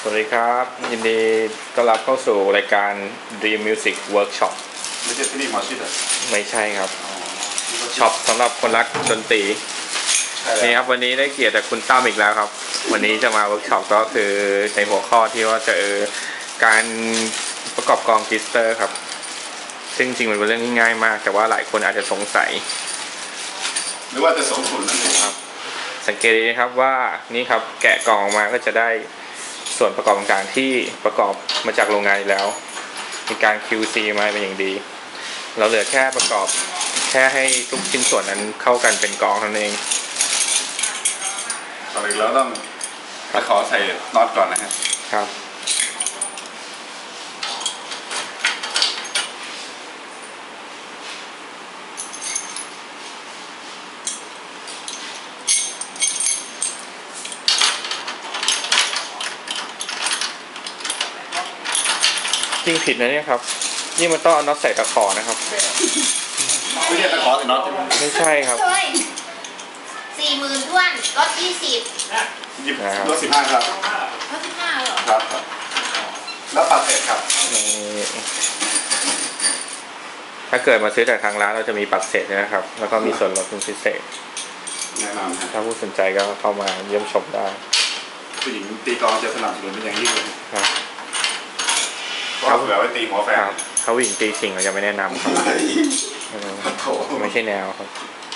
วัสดีครับยินดีต้อนรับเข้าสู่รายการ Dream Music Workshop ไม่ใช่ที่นี่มาชิดเหรอไม่ใช่ครับช็อปสำหรับคนรักดนตรีนี่ครับวันนี้ได้เกียรติจากคุณตั้มอีกแล้วครับวันนี้จะมาเวิร์กช็อปก็คือในหัวข้อที่ว่าจะการประกอบกลองกิสเตอร์ครับซึ่งจริงมันเป็นเรื่องที่ง่ายมากแต่ว่าหลายคนอาจจะสงสัยหรือว่าจะสงขุนนั่นเองครับสังเกตดีนะครับว่านี่ครับแกะกล่องออกมาก็จะได้ส่วนประกอบต่างๆที่ประกอบมาจากโรงงานอยู่แล้วมีการ QC มาเป็นอย่างดีเราเหลือแค่ประกอบแค่ให้ทุกชิ้นส่วนนั้นเข้ากันเป็นกลองเท่านั้นเองต่อไปแล้วต้องขอใส่น็อตก่อนนะครับครับจริงผิดนะเนี่ยครับนี่มันต้องเอาน็อตใส่ตะขอนะครับไม่ใช่ตะขอใส่น็อตใช่ไหมไม่ใช่ครับ 40,000ท้วนลดหยิบลด15ครับลด15เหรอครับแล้วปัดเสร็จครับถ้าเกิดมาซื้อจากทางร้านเราจะมีปัดเศษนะครับแล้วก็มีส่วนลดพิเศษแนะนำถ้าผู้สนใจก็เข้ามาเยี่ยมชมได้ผู้หญิงตีกลองจะสนับสนุนเป็นอย่างยิ่งเลยครับเขาเผื่อไว้ตีหัวแฟนเขาหญิงตีชิงเราจะไม่แนะนำครับไม่ใช่แนวครับ